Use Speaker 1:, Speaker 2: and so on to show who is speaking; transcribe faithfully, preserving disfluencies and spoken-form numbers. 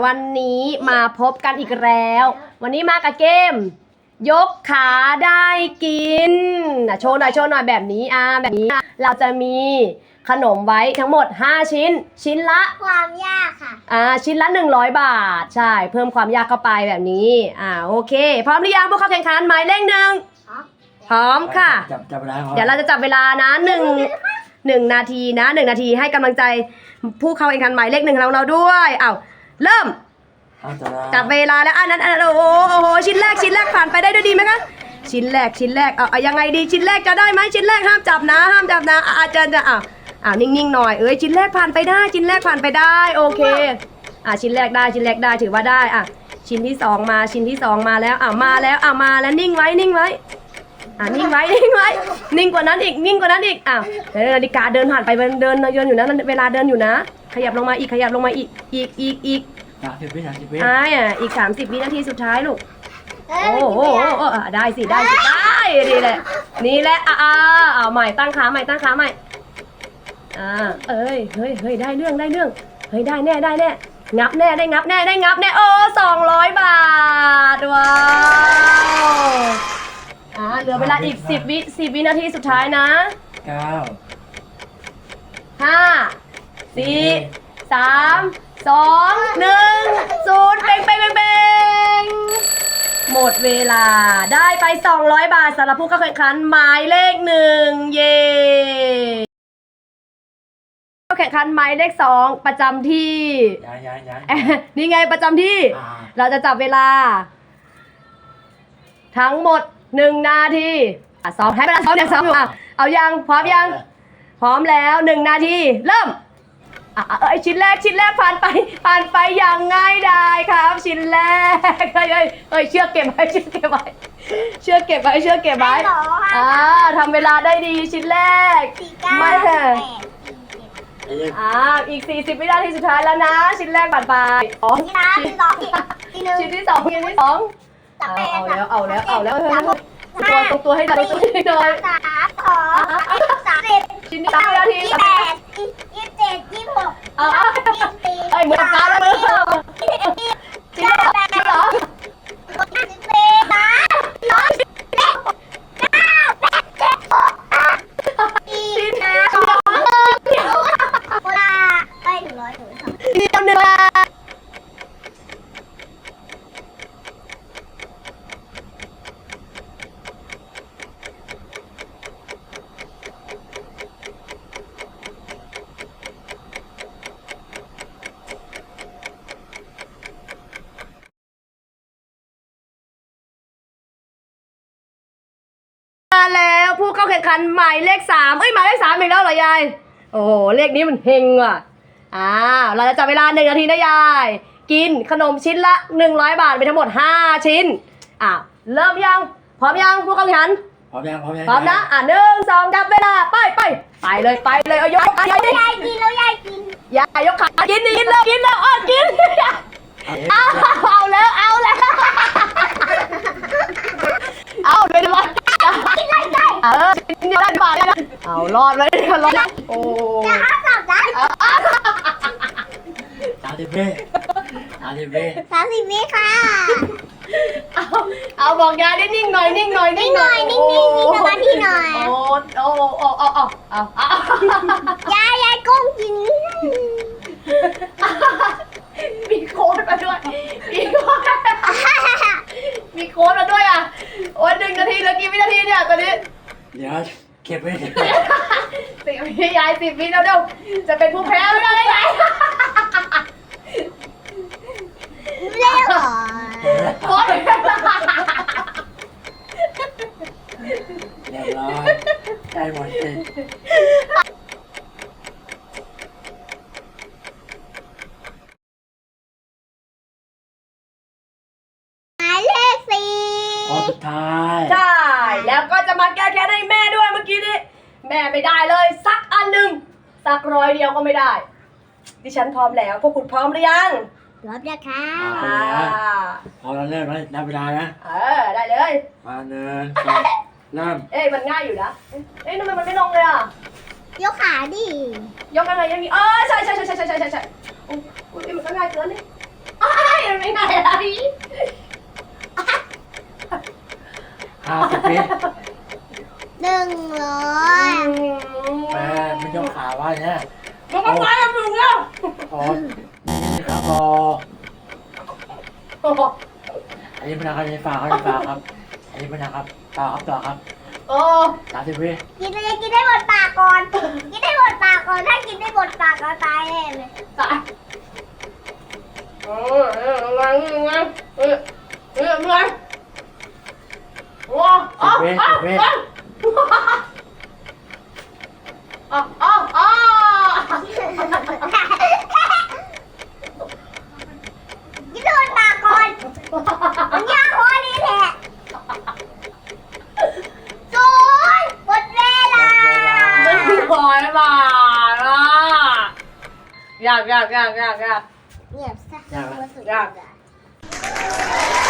Speaker 1: วันนี้มาพบกันอีกแล้ว วันนี้มากับเกมยกขาได้กินโชว์หน่อยโชว์หน่อยแบบนี้อ่าแบบนี้เราจะมีขนมไว้ทั้งหมดห้าชิ้นชิ้นละ
Speaker 2: ความยากค่ะ
Speaker 1: อ่าชิ้นละหนึ่งร้อยบาทใช่เพิ่มความยากเข้าไปแบบนี้อ่าโอเคพร้อมหรือยังพวกเขาแข่งขันหมายเลขหนึ่งพร้อมค่ะ
Speaker 3: จับจับเวลา
Speaker 1: เดี๋ยวเราจะจับเวลานะหนึ่งหนึ่งนาทีนะหนึ่งนาทีให้กำลังใจผู้เข้าแข่งขันหมายเลขหนึ่งของเราด้วยอ้าวเริ่มจับเวลาแล้วอันนั้นโอ้โหโอ้โหชิ้นแรกชิ้นแรกผ่านไปได้ด้วยดีไหมคะชิ้นแรกชิ้นแรกเอาเอายังไงดีชิ้นแรกจะได้ไหมชิ้นแรกห้ามจับนะห้ามจับนะอาจารย์จะอ่าอ่านิ่งๆหน่อยเอ้ยชิ้นแรกผ่านไปได้ชิ้นแรกผ่านไปได้โอเคอ่าชิ้นแรกได้ชิ้นแรกได้ถือว่าได้อ่ะชิ้นที่สองมาชิ้นที่สองมาแล้วอ่ามาแล้วอ่ามาแล้วนิ่งไว้นิ่งไว้อ่านิ่งไว้นิ่งไว้นิ่งกว่านั้นอีกนิ่งกว่านั้นอีกอ่ะนาฬิกาเดินผ่านไปเดินเดินอยู่นะเวลาเดินอยู่นะขยับลงมาอีกขยับลงมาอีกอีกอีกอีก
Speaker 3: สามสิบวิสามสิบวิ
Speaker 1: อ่าอีกสามสิบวินาทีสุดท้ายลูกโอ้โหได้สิได้สิได้ดีแหละนี่แหละอ่าเอาใหม่ตั้งขาใหม่ตั้งขาใหม่อ่าเอ้ยเฮ้ยเฮ้ยได้เรื่องได้เรื่องเฮ้ยได้แน่ได้แน่งับแน่ได้งับแน่ได้งับแน่โอ้สองร้อยบาทว้าวอ่าเหลือเวลาอีกสิบวิสิบวินาทีสุดท้ายนะ
Speaker 3: เก้า
Speaker 1: ห้าสี่สามสองหนึ่งศูนย์เป่งเป่งเป่งเป่งหมดเวลาได้ไปสองร้อยบาทสำหรับผู้เข้าแข่งขันหมายเลขหนึ่งเย่เข้าแข่งขันหมายเลขสองประจำที่
Speaker 3: ย้ายย้ายย้าย
Speaker 1: นี่ไงประจำที่เราจะจับเวลาทั้งหมดหนึ่งนาทีอ่ะซ้อมให้เวลาซ้อมอย่างซ้อมอยู่อ่ะเอายังพร้อมยังพร้อมแล้วหนึ่งนาทีเริ่มอ่ะเอ้ยชิ้นแรกชิ้นแรกผ่านไปผ่านไปอย่างง่ายดายครับชิ้นแรกเฮ้ยเฮ้ยเชือกเก็บไว้เชือกเก็บไว้เชือกเก็บไว้เชือกเก็บไว้อ่าทำเวลาได้ดีชิ้นแรกไม่แพ้อ่าอีกสี่สิบวินาทีสุดท้ายแล้วนะชิ้นแรกผ่านไปอ๋อชิ้นชิ้นที่สองชิ้นที่สองเอาแล้วเอาแล้วเอาแล้วตัวตรงตัวให้ได้ตัวให้ได้
Speaker 2: สามสองสามสิบ
Speaker 1: ชิ้นที่สามนาที
Speaker 2: ยี่สิบแปดยี่สิบเจ็ดยี่สิบหกยี่สิบสี่
Speaker 1: เอ้ยมือฟ้าแล้วมือชิ้นที่สองเหรอ
Speaker 2: ยี่สิบสี่สามสองเก้าแปดเจ็ดหกสี่ห้าสองเดียวเวลาไปถึงร้อยถึงสอง
Speaker 1: เดียวหนึ่งมาแล้วผู้เข้าแข่งขันหมายเลขสามเอ้ยหมายเลขสามอีกแล้วเหรอยายโอ้โหเลขนี้มันเฮงอ่ะอ่าเราจะจับเวลาหนึ่งนาทีนะยายกินขนมชิ้นละหนึ่งร้อยบาทไปทั้งหมดห้าชิ้นอ่ะเริ่มยังพร้อมยังผู้เข้าแข่งขัน
Speaker 3: พร้อมยังพร้อมยัง
Speaker 1: พร้อมนะอ่ะหนึ่งสองจับเวลาไปไปไปเลยไปเลยเอายกขายาย
Speaker 2: ยายกินแล้วยายกิน
Speaker 1: ยายยกขากินกินแล้วกินแล้วอดกินเอาเอาแล้วเอาแล้วเอาเลยดีกว่าเออชิ้นเดียวได้บาทแล้วนะเอารอดเลยรอดโอ้
Speaker 2: จะห้ามจับนะ
Speaker 3: สามสิบวิสามสิบวิ
Speaker 2: สามสิบวิค่ะ
Speaker 1: เอาเอาบอกยายได้นิ่งหน่อยนิ่งหน่อย
Speaker 2: นิ่งหน่อยนิ่งนิ่งมีสมาธิหน่อย
Speaker 1: โอ้โอ้โอ้โอ้โอ้เอาเอา
Speaker 2: ยายยายก้มกิน
Speaker 1: มีโค้ดมาด้วยมีโค้ดมีโค้ดมาด้วยอ่ะโอ้ยหนึ่งนาทีแล้วกี่วินาทีเนี่ยตอนนี้
Speaker 3: เดี๋ยวเก็บไว้สิบ
Speaker 1: วิยายสิบวิแล้วเดี๋ยวจะเป็นผู้แพ้ไม่ได้ไง
Speaker 2: เร็ว
Speaker 1: โค้ด
Speaker 3: เรียบร้อยได้หมดสิสุดท้าย
Speaker 1: ใช่แล้วก็จะมาแก้แค้นให้แม่ด้วยเมื่อกี้นี้แม่ไม่ได้เลยสักอันหนึ่งสักร้อยเดียวก็ไม่ได้ดิฉันพร้อมแล้วพวกคุณพร้อมหรือยัง
Speaker 2: พร้อมแล้วค่ะ
Speaker 3: พอเราเริ่มแล้วนับเวลานะ
Speaker 1: เออได้เลย
Speaker 3: มาเนินเริ่ม
Speaker 1: เอ้ยมันง่ายอยู่นะเอ้ยทำไมมันไม่ลงเลยอ่ะ
Speaker 2: ยกขาดิ
Speaker 1: ยกอะไรยังมีเออใช่ใช่ใช่ใช่ใช่ใช่ใช่อุ้ยมันก็ง่ายเกินนี่มันไม่ง่ายอะไร
Speaker 3: ห้าสิบวิ
Speaker 2: หนึ่งร้อย
Speaker 3: แม่ไม่ยกขาว่าเนี่ย
Speaker 1: มันก็ไปแล้วมึงแล้ว
Speaker 3: พอนี่ครับพออันนี้เป็นอะไรฝากครับฝากครับอันนี้เป็นนะครับต่อครับต่อครับ
Speaker 1: โอ้
Speaker 3: สามสิบวิ
Speaker 2: กินเลยกินได้หมดปากก่อน กินได้หมดปากก่อน ถ้ากินได้หมดปากก็ตายแน่เลย
Speaker 1: ตายเออเอออะไรไงเออเอออะไรว้าอ๋ออ๋ออ๋ออ๋ออ๋อ
Speaker 2: กินได้หมดปากก่อนมันยากพอนี้แหละศูนย์หมดเวลา
Speaker 1: ไม่พอแล้วบ้าล่ะอยากอยากอยากอยากอยาก
Speaker 2: เงียบซะ
Speaker 3: ยากไหม
Speaker 2: สุดยอด